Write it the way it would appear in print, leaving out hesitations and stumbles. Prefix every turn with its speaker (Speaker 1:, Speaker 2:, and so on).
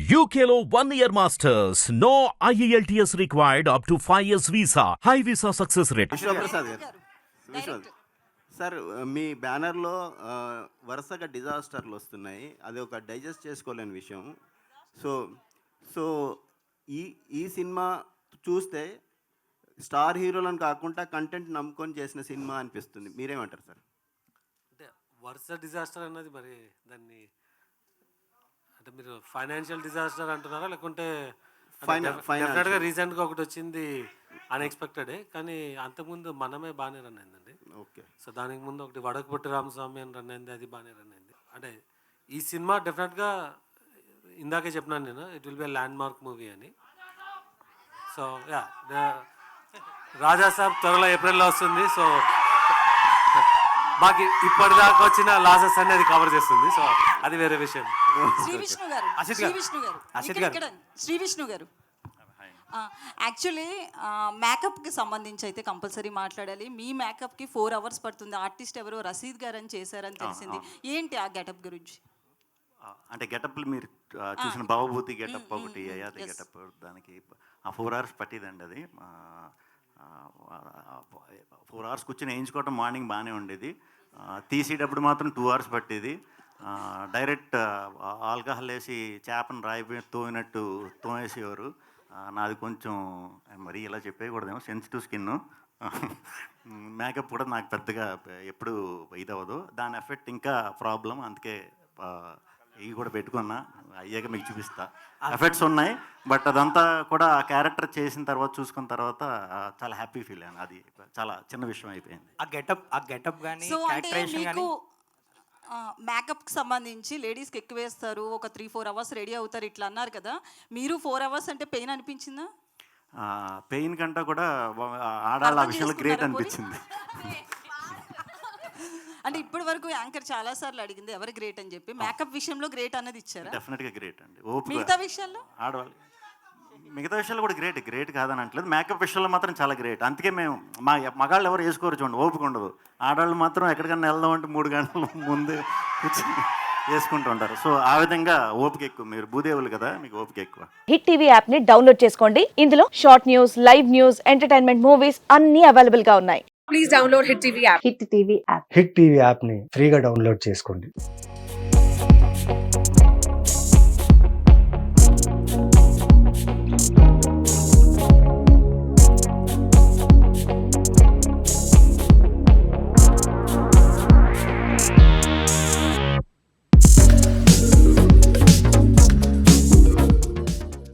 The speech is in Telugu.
Speaker 1: UKLO 1 year masters. No IELTS required up to 5 years visa. High visa success rate.
Speaker 2: Vishwaprasad గారు విశ్వ సార్ మీ బ్యానర్లో వరుసగా డిజాస్టర్లు వస్తున్నాయి. అది ఒక డైజెస్ట్ చేసుకోలేని విషయం. సో సో ఈ ఈ సినిమా చూస్తే స్టార్ హీరోలను కాకుండా కంటెంట్ నమ్ముకొని చేసిన సినిమా అనిపిస్తుంది. మీరేమంటారు సార్?
Speaker 3: అంటే వరుస డిజాస్టర్ అన్నది మరి దాన్ని అంటే మీరు ఫైనాన్షియల్ డిజాస్టర్ అంటున్నారా లేకుంటే డెఫినెట్గా రీసెంట్గా ఒకటి వచ్చింది అన్ఎక్స్పెక్టెడే, కానీ అంతకుముందు మనమే బాగానే రన్ అయిందండి.
Speaker 2: ఓకే.
Speaker 3: సో దానికి ముందు ఒకటి వడకపుట్టి రామస్వామి అని రన్ అయింది, అది బాగానే రన్ అయింది. అంటే ఈ సినిమా డెఫినెట్గా ఇందాకే చెప్పినాను నేను, it will be landmark movie అని. సో యా, రాజా సాబ్ త్వరలో ఏప్రిల్లో వస్తుంది. సో మాకు ఇప్పటిదాకా వచ్చిన లాసెస్ అనేది కవర్ చేస్తుంది. సో అది వేరే విషయం.
Speaker 4: శ్రీ విష్ణు గారు యాక్చువల్లీ మేకప్కి సంబంధించి అయితే కంపల్సరీ మాట్లాడాలి. మీ మేకప్కి 4 hours పడుతుంది. ఆర్టిస్ట్ ఎవరో రసీద్ గారు అని చేశారని తెలిసింది. ఏంటి ఆ గెటప్ గురించి?
Speaker 5: అంటే గెటప్లు మీరు చూసిన భవభూతి గెటప్ ఒకటి, అయాది గెటప్, దానికి 4 hours పట్టిదండి. అది 4 hours కూర్చొని వేయించుకోవటం మార్నింగ్ బాగానే ఉండేది. తీసేటప్పుడు మాత్రం 2 hours పట్టేది. డైరెక్ట్ ఆల్కహాల్ వేసి చేపను రాయి తోయినట్టు తోమేసేవారు. నాది కొంచెం మరీ ఇలా చెప్పేయకూడదేమో, సెన్సిటివ్ స్కిన్. మేకప్ కూడా నాకు పెద్దగా ఎప్పుడు ఇదవ్వదు, దాని ఎఫెక్ట్ ఇంకా ప్రాబ్లం. అందుకే ఇవి కూడా పెట్టుకున్నా, అయ్యాక మీకు చూపిస్తా. ఎఫెక్ట్స్ ఉన్నాయి, బట్ అదంతా కూడా ఆ క్యారెక్టర్ చేసిన తర్వాత చూసుకున్న తర్వాత చాలా హ్యాపీ ఫీల్ అయ్యాను. అది చాలా చిన్న విషయం అయిపోయింది.
Speaker 6: ఆ గెటప్ కానీ
Speaker 4: మేకప్కి సంబంధించి లేడీస్కి ఎక్కువ వేస్తారు, ఒక 3-4 hours రెడీ అవుతారు ఇట్లా అన్నారు కదా. మీరు 4 hours అంటే పెయిన్ అనిపించిందా?
Speaker 5: పెయిన్ కంటే కూడా ఆడాల విషయంలో గ్రేట్ అనిపించింది.
Speaker 4: అంటే ఇప్పటి వరకు యాంకర్ చాలా సార్లు అడిగింది ఎవరు గ్రేట్ అని చెప్పి, మేకప్ విషయంలో గ్రేట్ అన్నది ఇచ్చారా?
Speaker 5: డెఫినెట్గా గ్రేట్ అండి.
Speaker 4: మిగతా విషయాల్లో
Speaker 5: ఆడవాళ్ళు మిగతా విషయాలు కూడా గ్రేట్ కాదని అంటలేదు, మేకప్ విషయంలో మాత్రం చాలా గ్రేట్. అందుకే మేము మగాళ్ళు ఎవరు వేసుకోరు చూడండి, ఓపిక ఉండదు. ఆడవాళ్ళు మాత్రం ఎక్కడికన్నా వెళ్దామంటే 3 గంటల ముందు కూర్చొని వేసుకుంటూ ఉంటారు. సో ఆ విధంగా ఓపిక ఎక్కువ. మీరు భూదేవులు కదా, మీకు ఓపిక ఎక్కువ.
Speaker 7: హిట్ టీవీ యాప్ ని డౌన్లోడ్ చేసుకోండి. ఇందులో short news, live news, entertainment movies అన్ని అవైలబుల్ గా ఉన్నాయి.
Speaker 8: Please download Hit TV app.
Speaker 7: Hit TV app
Speaker 9: Hit TV యాప్ని ఫ్రీగా డౌన్లోడ్ చేసుకోండి.